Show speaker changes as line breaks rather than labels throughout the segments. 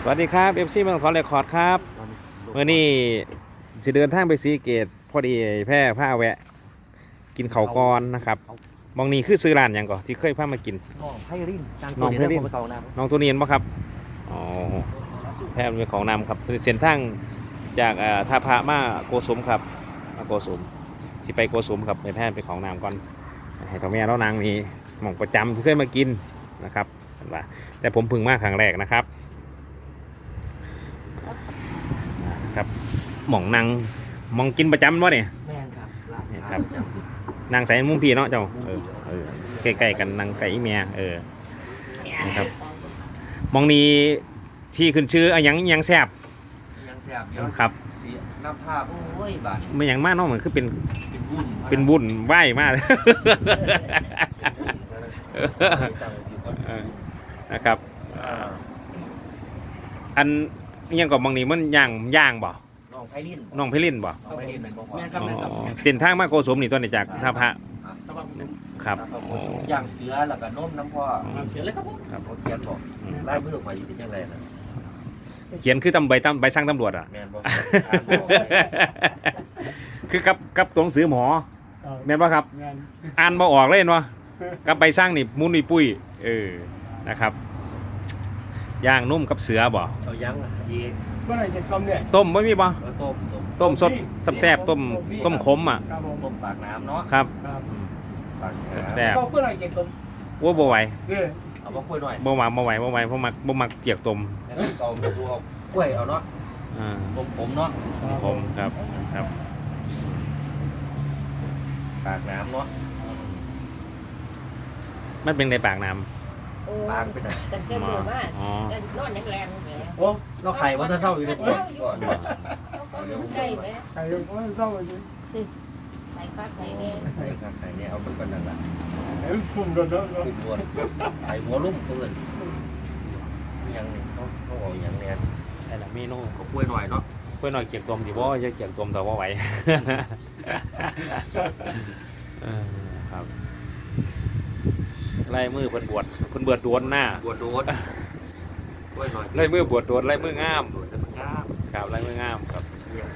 วัสดีครับเอฟซีเมืองทองเรคคอร์ดครับเมื่อนี้จะเดินทางไปสีเกตพอดีแพร่ผ้าแวะ กินเขาวก่อนนะครับมองนี้คือซื้อร้านอย่างก่อนที่เคยพามากิน
น้องไพริน
น้องไพริน น้องตัวนี้เห็นปะครับอ๋อแพร่เป็นของนำครับเส้นทางจากท่าพระมาโกสมครับมาโกสมสิไปโกสมครับไปแพร่เป็นของนำก่อนให้ตัวแม่แล้วนางมีหม่องประจำที่เคยมากินนะครับแต่ผมเพึ่งมาครั้งแรกนะครับ ครับหม่องนางมองกินประจำวะเนี่ย
แม่นครับร้าน
เนี่ยครับ
ประจำ
นางใส่มุ้งพี่เนาะเจ้าใกล้ๆกันนางไก่เมียนะครับมองนี้ที่ขึ้นชื่ออะยังแซ่บ
ยังแซ่บเดี๋ยว
ครับ
เสียน้ำผ้าโอ้ยบาด
ไม่อย่างมากเนาะเหมือนคือเป็น
เป็นวุ่น
วุ่นไหวมาก นะครับอันยังกับมองนี้มันย่างบ่
น้องไพริน
น้องไพลินบ่
น้องไพรินเป็นบ่พอ
อ๋อเส้นทางมาโกสมนี่ตัวนี้จากท่าพระครับ
แล้วก็ย่างเสือแล้วก็นมน้ำพ่อ
เขียนเลยครับผม
เขาเขียนบอกลายมือข่อยอยู่เป็นจังไดนะ
เขียนคือใบสั่งตำรวจอ่ะ
แม่นบ่
คือกับตัวหนังสือหมอแม่นป่ะครับ
งาน
อ่านมาออกเลยเนาะกับใบสร้างนี่มุนนี่ปุ้ยนะครับย่างนุ่มกับเสือบ่
เอายังอ่ะยี
เมื่อไหร่จะทำเนี่ย
ต้มไม่มีบ่
เอาต้ม
ต้มสดแซ่บๆต้มขมอ่ะ
ครับผม
ต้มปากน้ำเนาะ
ครับ
ครับ
ปากน้ำ
แซ่บ
ก็เมื่อไหร่จะท
ว่าบ่ไหว
ำเนี่ย
เอามาคุยหน่อย
บ่ไหวเพราะมักเกียกต้ม
แล้วเอาไปดูเอากล้วยเอาเนาะ
อ่า
ต้มผมเนาะ
ผมครับครับ
ปากน้ำเนาะ
มันเป็นในปากน้
ปากเป็นไง
กัน
ำ
เต็มมือมาก
อ๋อ
กันนอนแรงๆเนี่ย
โอ้เราไข่ว่าถ้าเท่าอยู่ในขวดก่อน
เขาก็ได้ไหม
ใครยังไม่เศร้าเลย
ใส่ฟักใส่เนี่ย
ไข่ครับไข่เนี่ยเอาไปกันนั่นแหละ
เห็นกลุ่มโดนแล้ว
ขึ้นบนไข่หัวลุ่มเพื่อนยังเขาบอกอย่างเนี้ย
แต่ละเมนู
เขากล้วยหน่อยเนาะ
เพื่อนหน่อยเกียกต้มสิบ่จะเกียกต้มแต่ว่าไหว ครับไล่มือเพิ่นบวชดวนหน้า
บวชโดนกล้วยหน่อย
ไล่มือบวชดวนไล่มืองาม
โดนแต่มันจ้า
ครับไล่มืองามครับ
เนี่ย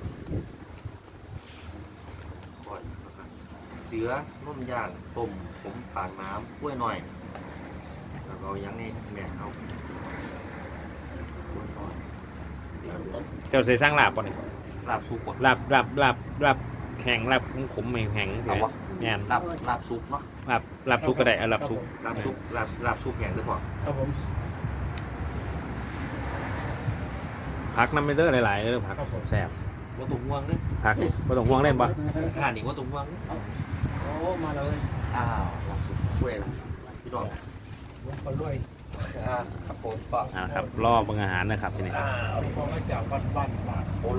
ก่อนเสือนุ่มย่างต้มผมปากน้ำกล้วยหน่อยแล้วก็ยังนี่แม่เอากล้วยหน่อย
เจ้าใส่สร้างลาบป่ะนี่
ลาบซุปก่อน
ลาบแข็งลาบขมๆแข็งๆ
เอาวะ
แม่น
ลาบซุปเนาะ
ลาบซุปก็ได้ลาบซุป
ลาบซุปแห้งหรือเปล่า
ครับผม
ผักน้ำไม่เด้อหลายๆเด้อผักแซ่บ
ว่าตุ้งห่วงเนี่ย
ผักบ่ต้องห่วงเล่นบ่
ห่านอีกว่าตุ้งห่วงเนี่ย
โอ้มาแล้ว
อ้าวลาบซุปกล้วยละพี่น้อง
คนรวย
ครับผมก็
ครับรอเบิ่งอาหารนะครับทีนี้
พอมาจากบ้าน